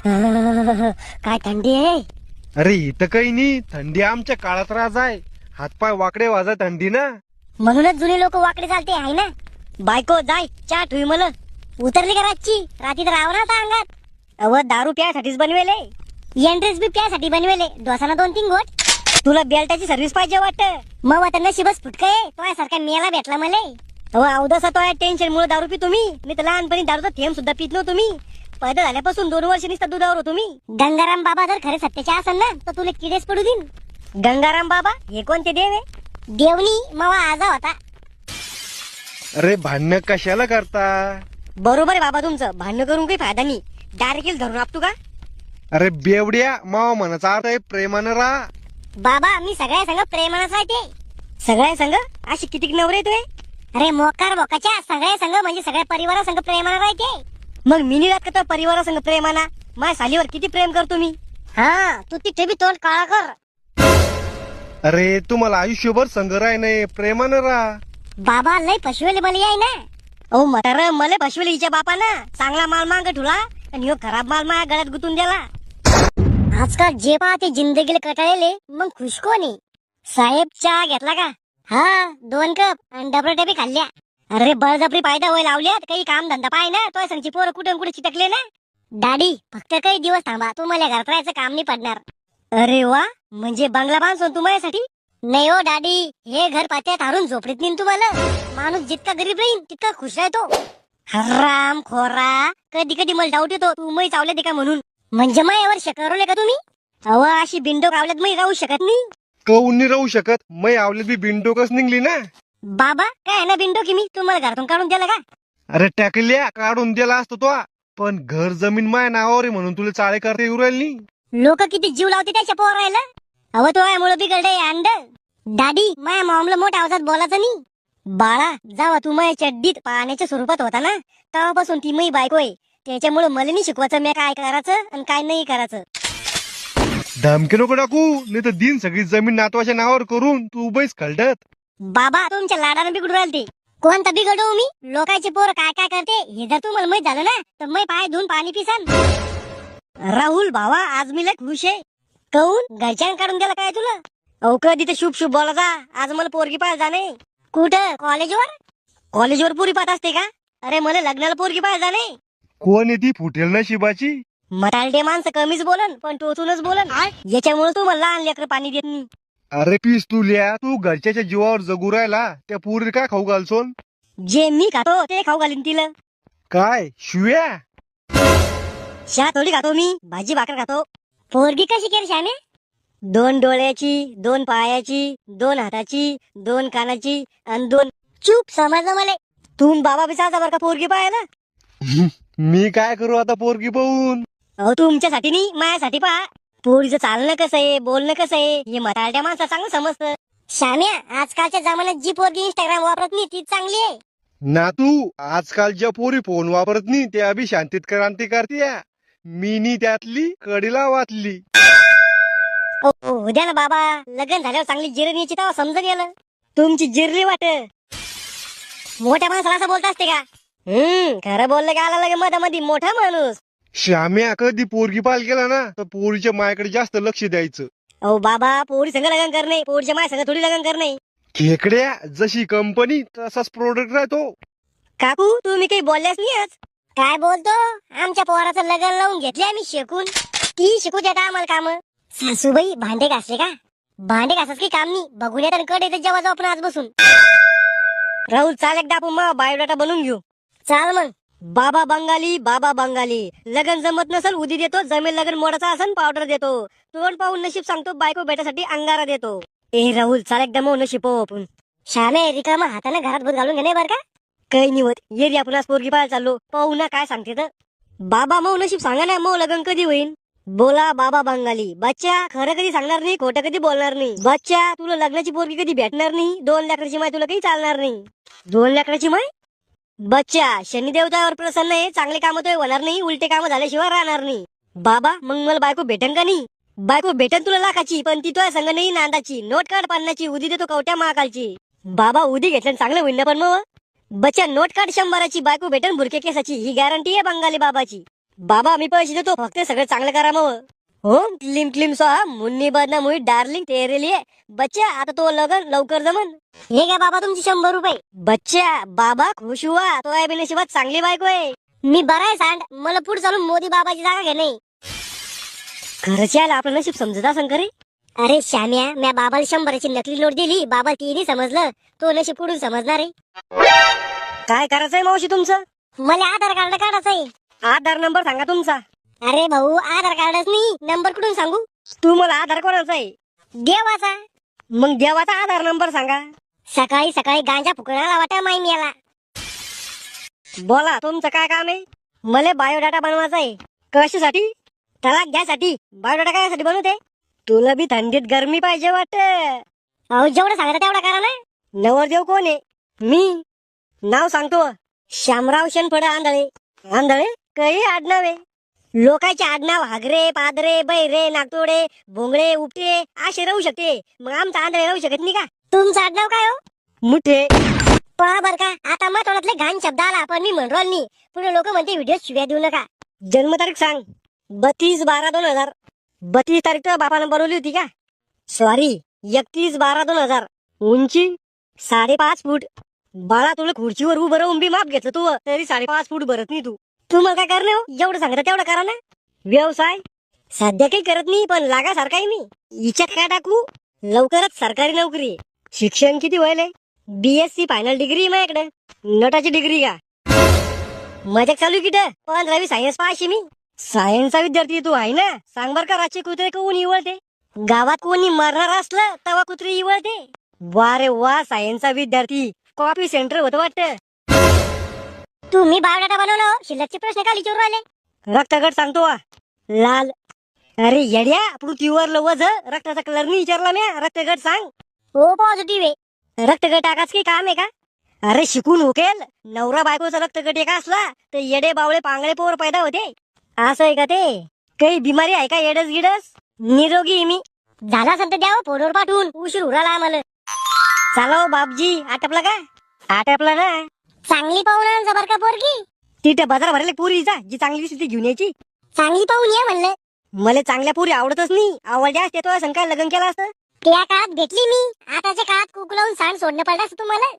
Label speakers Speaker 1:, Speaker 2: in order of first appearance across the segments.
Speaker 1: काय थंडी आहे.
Speaker 2: अरे इथं काही नाही, थंडी आमच्या काळात राज आहे. हातपाय वाकडे वाजा थंडी ना.
Speaker 1: म्हणूनच जुने लोक वाकडे चालते आहे ना. बायको जाय चहा ठुई मला. उतरली का रातची? रात्री तर राव ना आता अंगात. अव दारू प्यासाठीच बनवेले, एंट्रेस बी प्यासाठी बनवेले. दोसाना 2-3 गोट. तुला बेल्टाची सर्व्हिस पाहिजे वाटतं. मग आता नशीबच फुटकय तो सारखा मेला भेटला मले. अहो अवदसा तो टेन्शन मुळे दारू पी तुम्ही. मी तर लहानपणी दारूचा थेंब सुद्धा पित नव्हतो. तुम्ही पैदा झाल्यापासून 2 वर्ष निसता दुधावर हो तुम्ही. गंगाराम बाबा जर खरे सत्याचे असेल ना तर तुला किडेच पडू देईन. गंगाराम बाबा हे कोणते देव आहे? देवनी मावा आजा होता.
Speaker 2: अरे भांडण कशाला करता?
Speaker 1: बरोबर आहे बाबा तुमचं. भांडण करून काही फायदा नाही. डायरेक्ट धरून आपतो का?
Speaker 2: अरे बेवड्या, मावा म्हणाचा अर्थ आहे प्रेमानं राहा.
Speaker 1: बाबा मी सगळ्या संग प्रेमानच राहते. सगळ्या संग अशी किती नवरे येतोय? अरे मोकार बोकाच्या सगळ्या संग म्हणजे सगळ्या परिवारा संग प्रेमानं राहते. मग मिनी रात का परिवारा संग प्रेमाना? माझ्या सालीवर किती प्रेम करतो मी. हा तू तिथे बी तोंड काळा कर.
Speaker 2: अरे तुम्हाला आयुष्यभर संग राय नाही, प्रेमानं राहा.
Speaker 1: बाबा लय पशुवेले मला आहे ना. अहो म्हातार मला पशुवेले हिच्या बापानं चांगला माल मांग ठुला आणि ह्यो खराब माल माझ्या गळ्यात गुतून दिला. आजकाल जे पाहते जिंदगीला कटाळलेले मग खुश कोणी. साहेब चहा घेतला का? हा 2 कप आणि डबल डबे खाल्ल्या. अरे बळजबरी पायदा होय लावल्यात. काही काम धंदा पाय ना. तो सांगची पोरं कुठे कुठे चिटकले ना. डॅडी फक्त काही दिवस थांबा, तुम्हाला घरात राहायचं काम नाही पडणार. अरे वा, म्हणजे बंगला बांधतो तू माझ्यासाठी? नाही हो डॅडी, हे घर पात्यात हारून झोपडीत नेईन तुम्हाला. माणूस जितका गरीब राहील तितका खुश राहतो. हराम खोरा, कधी कधी मला डाऊट येतो तू मै चावले ते का म्हणून. म्हणजे मायावर शकरवले का तुम्ही? अव अशी बिंडो कावल्यात मी राहू शकत नाही.
Speaker 2: कहून नाही राहू शकत. मै आवलेत बी बिनडोकच निघली ना.
Speaker 1: बाबा काय आहे ना बिंडो की मी तुम्हाला घरातून काढून दिला का?
Speaker 2: अरे टाकल्या काढून दिला असतो तो, पण घर जमीन माय नावावर आहे म्हणून तुला चाळे करता येऊ राहिली नाही.
Speaker 1: लोक किती जीव लावते त्याच्या पोरायला. अव तो यामुळे बिघडलंय अंड. डॅडी माझ्या मॉमला मोठ्या आवाजात बोलायचं नाही. बाळा जावा तू माझ्या चड्डीत पाण्याच्या स्वरूपात होता ना तेव्हापासून ती मी बायको आहे. त्याच्यामुळे मला नाही शिकवायचं मी काय करायचं आणि काय नाही करायचं.
Speaker 2: धमकी नको टाकू, नाही तर दिन सगळी जमीन नातवाच्या नावावर करून तू उभीच खलडत.
Speaker 1: बाबा तुमच्या लाडानं बिघडू राहिले ते. कोणता बिघडू मी? लोकांचे पोर काय काय करते हे जर तुम्हाला माहित झालं ना तर मी पाय धुवून पाणी पिसान. राहुल भावा आज मी लय खुश आहे. कहून घरच्यानं काढून दिला काय तुला? अहो कधी तर शुभ शुभ बोला जा. आज मला पोरगी पाहायला जाणे. कुठं? कॉलेजवर? कॉलेजवर पुरी पाहत असते का? अरे मला लग्नाला पोरगी पाहायला जाणे.
Speaker 2: कोण आहे ती फुटेल नशिबाची?
Speaker 1: मटालटे माणसं कमीच बोलन पण टोचूनच बोलन. याच्यामुळे तू मला लहान लेकर पाणी देत नाही.
Speaker 2: अरे पीस तू लिया, तू घरच्याच्या जीवावर जगू राहिला. त्या पुरी काय खाऊ घालसोन?
Speaker 1: जे मी खातो ते खाऊ घालीन तिला.
Speaker 2: काय शिव्या?
Speaker 1: शा थोडी खातो मी, भाजी भाकर खातो. पोरगी कशी केली श्यामे? 2 डोळ्याची, 2 पायाची, 2 हाताची, 2 कानाची आणि 2 चूप. समजलं मला. तुम बाबा बिचारता बरं का पोरगी पाहायला.
Speaker 2: मी काय करू आता पोरगी पाहून?
Speaker 1: अहो तुमच्यासाठी नाही माझ्यासाठी पहा. पोरीचं चालणं कसं आहे, बोलणं कसं आहे हे म्हातारड्या माणसा चांगलं समजतं. श्याम्या आजकालच्या जमान्यात जी पोरगी इंस्टाग्राम वापरत नाही तीच चांगली आहे.
Speaker 2: ना तू आजकाल ज्या पोरी फोन वापरत नाही त्या बी शांतीत क्रांती करते. मी नी त्यातली कडीला वाचली.
Speaker 1: उद्या ना बाबा लग्न झाल्यावर चांगली जिरणी यायची तेव्हा समजून गेलं. तुमची जिरली वाट. मोठ्या माणसाला असं बोलत असते का? खरं बोललं का आला लगे मधामध्ये मोठा माणूस.
Speaker 2: श्याम्या कधी पोरगी पाल केला ना तर पोरीच्या मायाकडे जास्त लक्ष द्यायचं.
Speaker 1: अहो बाबा पोरी संग लग्न करणे, पोरीच्या माय संग थोडी लग्न करणे.
Speaker 2: खेकड्या जशी कंपनी तसाच प्रोडक्ट राहतो.
Speaker 1: काकू तुम्ही काही बोलल्यास नाही आज. काय बोलतो? आमच्या पोराचं लग्न लावून घेतले आम्ही शिकून. ती शिकू देता आम्हाला काम. सासूबाई भांडे घासले का? भांडे घासाच काही काम नाही. बघून येतात कड येते जेव्हा जाऊ आपण आज बसून. राहुल चाल एकदा आपण मग बायोडाटा बनवून घेऊ. चाल मग. बाबा बंगाली बाबा बंगाली. लगन जमत नसल उदी देतो. जमेल लगन मोडाचा असन पावडर देतो. तोंड पाहून नशीब सांगतो बायको भेटासाठी अंगारा देतो. ए राहुल चाल एकदा मग नशीब पाहू आपण. श्यामे रिकामा हाताने घरात भूत घालून घेणे बर का? काही निवत ये रे आपण आज पोरगी पाहायला चाललो. पाहू ना काय सांगते तर. बाबा मग नशीब सांगा ना मग लगन कधी होईल? बोला बाबा बंगाली. बच्चा खरं कधी सांगणार नाही, खोटं कधी बोलणार नाही. बच्चा तुला लग्नाची पोरगी कधी भेटणार नाही. 2 लेकराची माय तुला काही चालणार नाही. 2 लेकराची माय? बच्चा शनी देवतावर प्रसन्न आहे. चांगले काम तो होणार नाही, उलटे काम झाल्याशिवाय राहणार नाही. बाबा मग मला बायको भेटन का नाही? बायको भेटन तुला लाखाची पण ती तो संग नाही नांदाची. नोट काढ 50ची उदी देतो कवट्या महाकालची. बाबा उदी घेतलं चांगलं होईल ना पण मग. बच्चा नोट काढ 100ची बायको भेटन बुरके केसाची. ही गॅरंटी आहे बंगाली बाबाची.
Speaker 3: बाबा मी पैसे देतो, फक्त सगळं चांगलं करा मग. हो क्लिम क्लिम स्वाहा मुन्नी बदना मुई डार्लिंग तेरे लिए. बच्चा आता तो लगन लवकर जमन.
Speaker 1: हे घ्या बाबा तुमचे 100 रुपये.
Speaker 3: बच्चा बाबा खुश हुआ, तो आहे नशिबात चांगली बायको आहे.
Speaker 1: मी बरा आहे सांड, मला पुढे चालून मोदी बाबाची जागा घे नाही.
Speaker 3: खरंच यायला आपलं नशीब समजत असं करे.
Speaker 1: अरे श्याम्या, म्या बाबाला 100ची नकली नोट दिली, बाबा तिने समजलं, तो नशीब पुढून समजणार आहे.
Speaker 3: काय करायचंय मावशी तुमचं?
Speaker 1: मला आधार कार्ड काढायचंय.
Speaker 3: आधार नंबर सांगा तुमचा.
Speaker 1: अरे भाऊ, आधार कार्डच नाही, नंबर कुठून सांगू?
Speaker 3: तू मला आधार कोणाचा आहे?
Speaker 1: देवाचा.
Speaker 3: मग देवाचा आधार नंबर सांगा.
Speaker 1: सकाळी सकाळी गांजा फुकणाला वाटा माई मेला.
Speaker 3: बोला तुमचं काय काम आहे? मला बायोडाटा बनवायचा आहे. कशासाठी? तलाक घ्यासाठी. बायोडाटा काय बनवते? तुला बी थंडीत गरमी पाहिजे वाटत.
Speaker 1: अहो जेवढं सांगता तेवढा करा ना.
Speaker 3: नवरदेव कोण आहे? मी. नाव सांगतो, शामराव शेनफड आंधळे. आंधळे काही आडनाव आहे. लोकांचे आडनाव हागरे, पादरे, बैरे, नागतोडे, भोंगळे, उपटे असे राहू शकते, मग आमचा आंधळे राहू शकत नाही का?
Speaker 1: तुमचं आडनाव काय हो?
Speaker 3: मुठे.
Speaker 1: पहा बर का, आता मग तोंडातले घाण शब्द आला, पण मी म्हणलो नाही. पुढे लोक म्हणते व्हिडिओ शिव्या देऊ नका.
Speaker 3: जन्मतारीख सांग. 32/12/2000. 32 तारीख तर बापानं बनवली होती का? सॉरी, 31/12/2000. उंची 5.5 फूट. बाळा तुला खुर्चीवर उभं राहून बी माप घेतलं तू, तरी 5.5 फूट भरत नाही तू. तुम्हाला काय करणे हो? जेवढं सांगता तेवढं करा ना. व्यवसाय सध्या काही करत नाही, पण लागासारखाही मी. हिच्यात काय टाकू? लवकरच सरकारी नोकरी आहे. शिक्षण किती व्हायलंय? BSc फायनल डिग्री माझ्याकडे. नटाची डिग्री का? मजाक चालू किट. 15वी सायन्स पाशी मी. सायन्सचा विद्यार्थी तू आहे ना? सांग बर का, रातचे कुत्रे कोण इवळते? गावात कोणी मरणार असलं तेव्हा कुत्रे इवळते. वा रे वा, सायन्सचा विद्यार्थी. कॉपी सेंटर होतं वाटतं.
Speaker 1: तुम्ही बायोडाटा बनवलं, शिल्लकचे प्रश्न का विचारू राहिले?
Speaker 3: रक्तगट सांगतो वा. लाल. अरे येड्या, पृथ्वीवर लवज रक्ताचा कलर नाही विचारला म्या. रक्तगट सांग.
Speaker 1: हो पॉझिटिव्ह आहे.
Speaker 3: रक्तगट टाकाच की काम आहे का? अरे शिकून होकेल. नवरा बायकोचा रक्तगट एका असला तर येडे बावळे पांगळे पोर पैदा होते. असं आहे का ते? काही बिमारी आहे का येडस गिडस? निरोगी आहे मी.
Speaker 1: झाला असेल तर द्यावं फोनवर पाठवून, उशीर उराला आम्हाला.
Speaker 3: चालव बापजी. आटपला का? आटपला ना.
Speaker 1: चांगली पाहून आण जबर का पोरगी.
Speaker 3: तिथे बाजार भरले पुरीचा, जी चांगली दिसली ती घेऊन यायची.
Speaker 1: चांगली पाहून ये म्हणलं.
Speaker 3: मला चांगल्या पुरी आवडतच नाही. आवडल्या असते तो संकाय लग्न केलं असतं.
Speaker 1: त्या काळात भेटली मी, आताच्या काळात कुकू लावून सांड सोडणं पडलं असं तुम्हाला.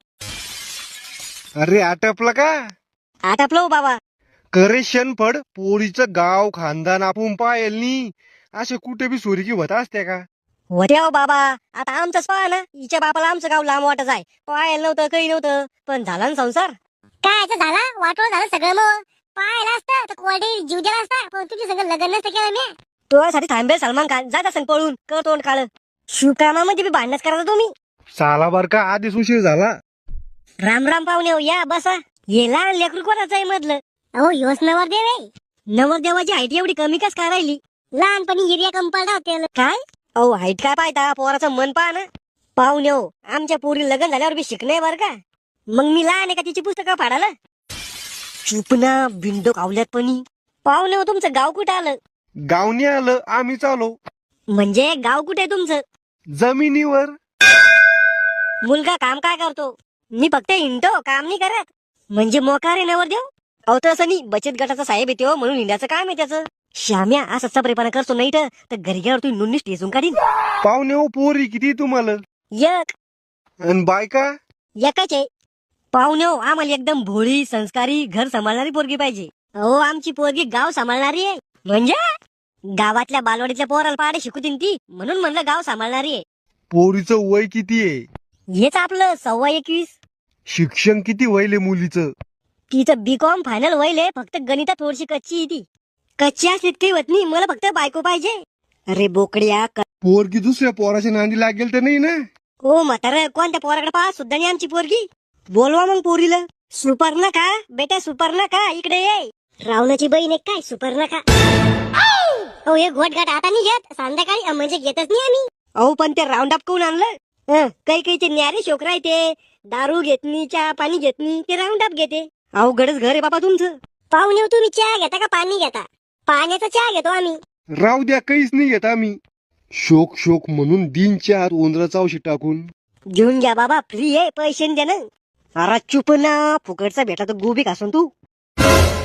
Speaker 2: अरे आटपलं का?
Speaker 3: आटपलो हो बाबा.
Speaker 2: करे शेणफड, पोरीचं गाव खानदान आपण पायल नी, असे कुठे बी सोरीकी होत असते का?
Speaker 3: होते हो बाबा. आता आमचंच पहा ना. हिच्या बापाला आमचं गाव लांब वाटत आहे. पाहायला नव्हतं, काही नव्हतं, पण झाला ना संसार.
Speaker 1: काय याचं झाला, वाटोळ झालं सगळं. मग पाहायला असतं तर कोरडे जीव दिला असता, पण तुझ्या सगळं लग्न नसतं केलं मी.
Speaker 3: तुझ्यासाठी थांबेल सलमान खान. जात असं पळून कर तोंड काळ. शुभकामामध्ये बी भांडणच करायचं तुम्ही.
Speaker 2: साला बर का, आधीच उशीर झाला.
Speaker 3: राम राम पाहुणे हो, या बसा. हे लहान लेकरू कोणाचं आहे मधलं?
Speaker 1: अहो योच नवरदेव आहे.
Speaker 3: नवरदेवाची हाईट एवढी कमी कस काय राहिली?
Speaker 1: लहानपणी हिरिया कंपाळला होते.
Speaker 3: काय? अहो हाईट काय पाहता, पोराचं मन पहा ना. पाहुणे हो, आमच्या पोरी लग्न झाल्यावर बी शिकणे बर का. मग मी लहान आहे का तिची पुस्तकं फाडाला? चुपना बिंडो कावल्यात पणी. पाहुणे हो, तुमचं गाव कुठं आलं?
Speaker 2: गावनी आलं, आम्ही चालो
Speaker 3: म्हणजे गाव कुठे आहे तुमचं?
Speaker 2: जमिनीवर.
Speaker 3: मुलगा काम काय करतो? मी फक्त हिंडतो, काम नाही करत. म्हणजे मोकार आहे नवरदेव? अहो तसं नाही, बचत गटाचा साहेब येते हो, म्हणून हिंडाचं काम आहे त्याचं. श्याम्या असं चपरेपणा करतो नाही तर घरी गेल्यावर तुम्ही नुन्नीच टेचून काढीन.
Speaker 2: पाहुणे हो, पोरी किती तुम्हाला?
Speaker 3: एक.
Speaker 2: आणि बायका?
Speaker 3: एकच आहे. पाहुणे हो, आम्हाला एकदम भोळी, संस्कारी, घर सांभाळणारी पोरगी पाहिजे. हो, आमची पोरगी गाव सांभाळणारी आहे. म्हणजे गावातल्या बालवाडीतल्या पोराला पाडे शिकवतीन ती, म्हणून म्हणलं गाव सांभाळणारी आहे.
Speaker 2: पोरीचं वय किती आहे?
Speaker 3: हेच आपलं 21.25.
Speaker 2: शिक्षण किती वयले मुलीचं?
Speaker 3: तिचं BCom फायनल व्हायले, फक्त गणितात थोडीशी कच्ची आहे ती. कच्ची असली काही होत नाही, मला फक्त बायको पाहिजे. अरे बोकड्या.
Speaker 2: पोरगी दुसऱ्या पोराच्या नांदी लागेल तर नाही ना?
Speaker 3: हो म्हातारं, कोणत्या पोराकडे पाहा सुद्धा नाही आमची पोरगी. बोलवा मग पोरीला. सुपर्णखा बेटा, सुपर्णखा इकडे ये.
Speaker 1: रावणाची बहीण एक काय सुपर्णखा. हो हे घोटघाट आता नाही घेत, संध्याकाळी म्हणजे घेतच नाही आम्ही.
Speaker 3: अहो पण ते राऊंड अप कोण आणलं? काही काही ते न्यारे शोकरा आहे ते. दारू घेतनी, चहा पाणी घेतनी, ते राऊंड अप घेते. अवघडच घर आहे बाबा तुमचं.
Speaker 1: पाहुणे हो, तुम्ही चहा घेता का पाणी घेता? पाण्याचा चहा घेतो आम्ही.
Speaker 2: राहू द्या, काहीच नाही घेत आम्ही. शोक शोक म्हणून दिनच्या आत उंदराचा औषध टाकून
Speaker 3: घेऊन घ्या बाबा, फ्री आहे, पैसे द्या ना. अरे चुप ना, फुकटचा भेटला तर गोबी खासून तू.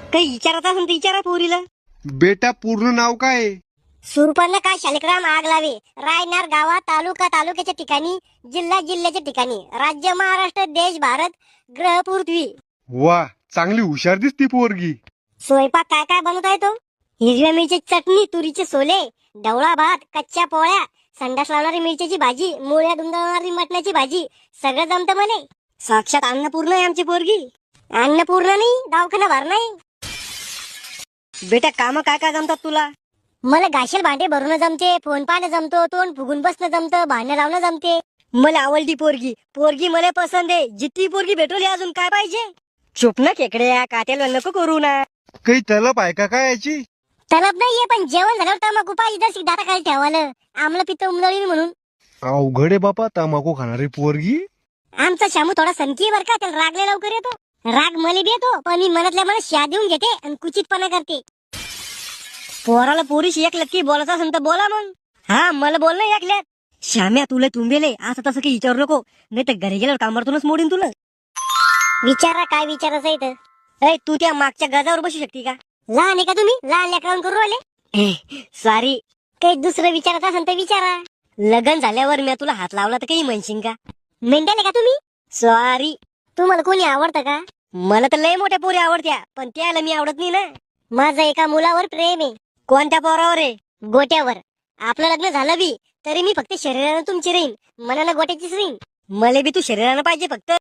Speaker 3: काही विचारायचं असेल तर विचारा पोरीला.
Speaker 2: बेटा पूर्ण नाव काय आहे?
Speaker 1: सुरपन्नका शालिग्राम आग लावे, रायनार गावात, तालुक्याच्या ठिकाणी, जिल्ह्याच्या ठिकाणी, राज्य महाराष्ट्र, देश भारत, ग्रह पृथ्वी.
Speaker 2: वा, चांगली हुशार दिसती पोरगी.
Speaker 1: स्वयंपाक काय काय बनवता येतो? हिरव्या मिरची चटणी, तुरीचे सोले, ढवळा भात, कच्च्या पोळ्या, संडास लावणारी मिरच्याची भाजी, मुळ्या दुमदवणारी मटणाची भाजी, सगळं जमतं म्हणे.
Speaker 3: साक्षात अन्नपूर्ण आहे आमची पोरगी.
Speaker 1: अन्नपूर्ण नाही, दवाखाना भर नाही.
Speaker 3: बेटा काम काय काय जमतात तुला?
Speaker 1: मला घाशेल भांडे भरून जमते, फोन पाहणं जमतो, तोंड फुगून बसणं जमतं, भांडण लावणं जमते.
Speaker 3: मला आवडली पोरगी. पोरगी मला पसंत आहे. जितकी पोरगी भेटवली अजून काय पाहिजे? चुप ना खेकड्या, काट्याला नको करू ना.
Speaker 2: काही तलप आहे का काय याची?
Speaker 1: तलब नाहीये, पण जेवण झाल्यावर तंबाखू पाहिजे तर दाता खाली ठेवायला, आम्हाला पित्त उमदळी म्हणून.
Speaker 2: अवघड आहे बापा तंबाखू खाणारी पोरगी.
Speaker 1: आमचा शामू थोडा सनकी बर का, त्याला रागले लवकर येतो. राग मला बी येतो, पण मी मनातल्या मनात शा देऊन घेते आणि कुचितपणा करते.
Speaker 3: पोराला पोरीशी एक लक्की बोलायचं असेल तर बोला मग. हा मला बोल ना ऐकल्यात. श्याम्या तुला तुंबेले असं तसं काही विचारू नको, नाही तर घरी गेल्यावर कामातूनच मोडीन तुला.
Speaker 1: विचारा काय विचारायचं इथं?
Speaker 3: ऐ तू त्या मागच्या गजावर बसू शकते का?
Speaker 1: लहान आहे का तुम्ही? लहान लेकरावून करू राहिले.
Speaker 3: सॉरी.
Speaker 1: काही दुसरं विचारायचं असेल तर विचारा.
Speaker 3: लग्न झाल्यावर मी तुला हात लावला तर काही म्हणशील का?
Speaker 1: मेंढ्याल आहे का तुम्ही?
Speaker 3: सॉरी.
Speaker 1: तुम्हाला कोणी आवडतं का?
Speaker 3: मला तर लय मोठ्या पोरी आवडत्या, पण त्याला मी आवडत नाही ना.
Speaker 1: माझं एका मुलावर प्रेम आहे.
Speaker 3: कोणत्या पोरावर आहे?
Speaker 1: गोट्यावर. आपलं लग्न झालं बी तरी मी फक्त शरीरानं तुमची राहीन, मनानं गोट्याचीच राहीन.
Speaker 3: मला बी तू शरीरानं पाहिजे फक्त.